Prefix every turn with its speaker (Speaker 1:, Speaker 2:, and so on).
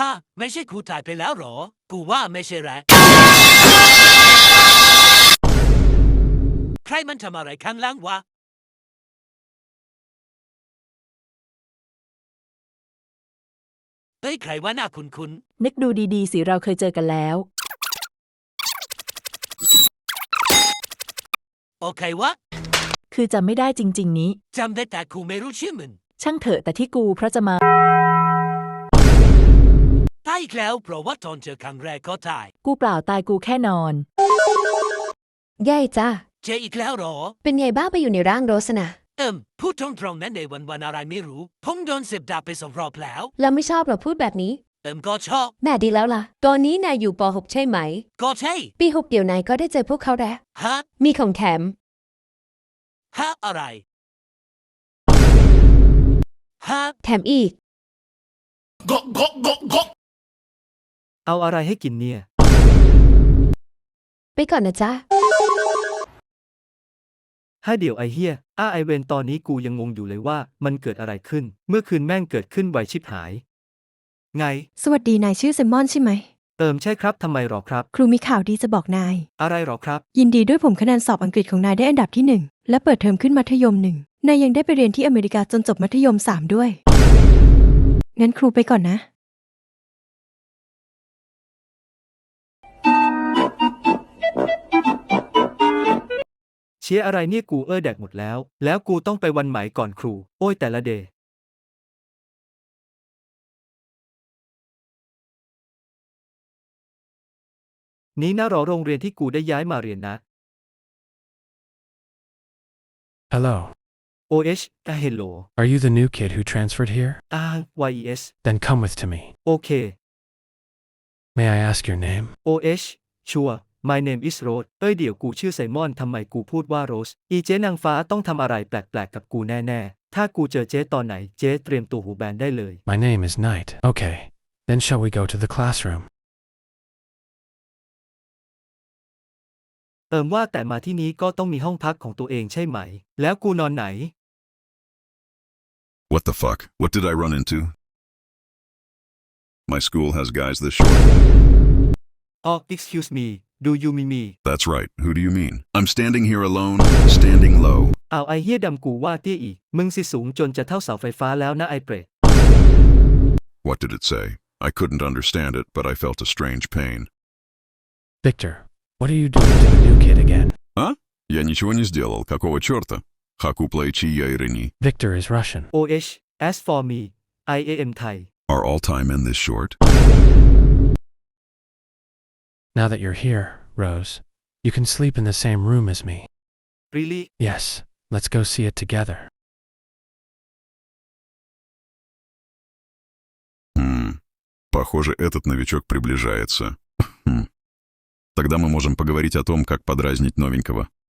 Speaker 1: ฮะไม่ใช่ครูตายไปแล้วหรอกูว่าไม่ใช่แหละใครมันทำอะไรข้างล่างวะเฮ้ยใครว่าหน้าคุ้น
Speaker 2: นึกดูดีๆสิเราเคยเจอกันแล้ว
Speaker 1: ๆโอเควะ
Speaker 2: คือจำไม่ได้จริงๆนี้
Speaker 1: จำได้แต่กูไม่รู้ชื่อมัน
Speaker 2: ช่างเถอะแต่ที่กูเพราะจะมา
Speaker 1: ตายอีกแล้วเพราะว่าตอนเจอครั้งแรกก็ตาย
Speaker 2: กูเปล่าตายกูแค่นอน
Speaker 3: แย่จ้า
Speaker 1: เจออีกแล้วหรอ
Speaker 3: เป็นไงบ้างไปอยู่ในร่างโรสนะ
Speaker 1: พูดตรงๆนั้นในวันอะไรไม่รู้ผมโดน10 ดาบไป2 รอบแล้ว
Speaker 3: แล้วไม่ชอบเหราพูดแบบนี้
Speaker 1: ก็ชอบ
Speaker 3: แม่ดีแล้วล่ะ ตอนนี้นายอยู่ป .6 ใช่ไหม
Speaker 1: ก็ใช่
Speaker 3: ปี 6เดี๋ยวนายก็ได้เจอพวกเขาแล้ว
Speaker 1: ฮะ
Speaker 3: มีของแถม
Speaker 1: อะไรฮะ
Speaker 3: แถมอีก
Speaker 4: เอาอะไรให้กินเนี่ย
Speaker 3: ไปก่อนนะจ๊ะ
Speaker 4: ให้เดี๋ยวไอเฮียไอเวนตอนนี้กูยังงงอยู่เลยว่ามันเกิดอะไรขึ้น เมื่อคืนแม่งเกิดขึ้นไวชิบหาย ไง
Speaker 5: สวัสดีนายชื่อเซมมอนใช่ไหม
Speaker 4: ใช่ครับทำไมหรอครับ
Speaker 5: ครูมีข่าวดีจะบอกนาย
Speaker 4: อะไรหรอครับ
Speaker 5: ยินดีด้วยผมคะแนนสอบอังกฤษของนายได้อันดับที่ 1 และเปิดเทอมขึ้นมัธยม 1นายยังได้ไปเรียนที่อเมริกาจนจบมัธยม 3 ด้วย งั้นครูไปก่อนนะ
Speaker 4: เชียร์อะไรเนี่ยกูแดกหมดแล้วกูต้องไปวันไหมก่อนครู โอ้ยแต่ละเดย์นี้นะหรอโรงเรียนที่กูได้ย้ายมาเรียนนะ
Speaker 6: Hello.
Speaker 4: OH hello
Speaker 6: Are you the new kid who transferred here?
Speaker 4: YES
Speaker 6: Then come with to me.
Speaker 4: โอเค
Speaker 6: May I ask your name?
Speaker 4: OH ชัวร์ My name is Rose เดี๋ยวกูชื่อไซมอนทำไมกูพูดว่าโรสอีเจ๊นางฟ้าต้องทำอะไรแปลกๆกับกูแน่ๆ ถ้ากูเจอเจ๊ตอนไหนเจ๊เตรียมตัวหูแบนได้เลย
Speaker 6: My name is Knight. Okay. Then shall we go to the classroom?
Speaker 4: ว่าแต่มาที่นี้ก็ต้องมีห้องพักของตัวเองใช่ไหม แล้วกูนอนไหน
Speaker 7: What the fuck? What did I run into? My school has guys this short.
Speaker 4: Excuse me do you mean me
Speaker 7: That's right. Who do you mean? I'm standing here alone, standing low.
Speaker 4: ไอเฮียดำกูว่าเตี้ยอีก มึงสิสูงจนจะเท่าเสาไฟฟ้าแล้วนะไอเปรต
Speaker 7: What did it say? I couldn't understand it, but I felt a strange pain.
Speaker 6: Victor, what are you doing to the new kid again?
Speaker 7: А? Я ничего не сделал. Какого черта? Хаку плейчи я ирини.
Speaker 6: Victor is Russian.
Speaker 4: OH as for me I am Thai
Speaker 7: Are all Thai men this short?
Speaker 6: Now that you're here, Rose, you can sleep in the same room as me.
Speaker 4: really
Speaker 6: Yes, let's go see it together.
Speaker 7: Похоже, этот новичок приближается. Тогда мы можем поговорить о том, как подразнить новенького.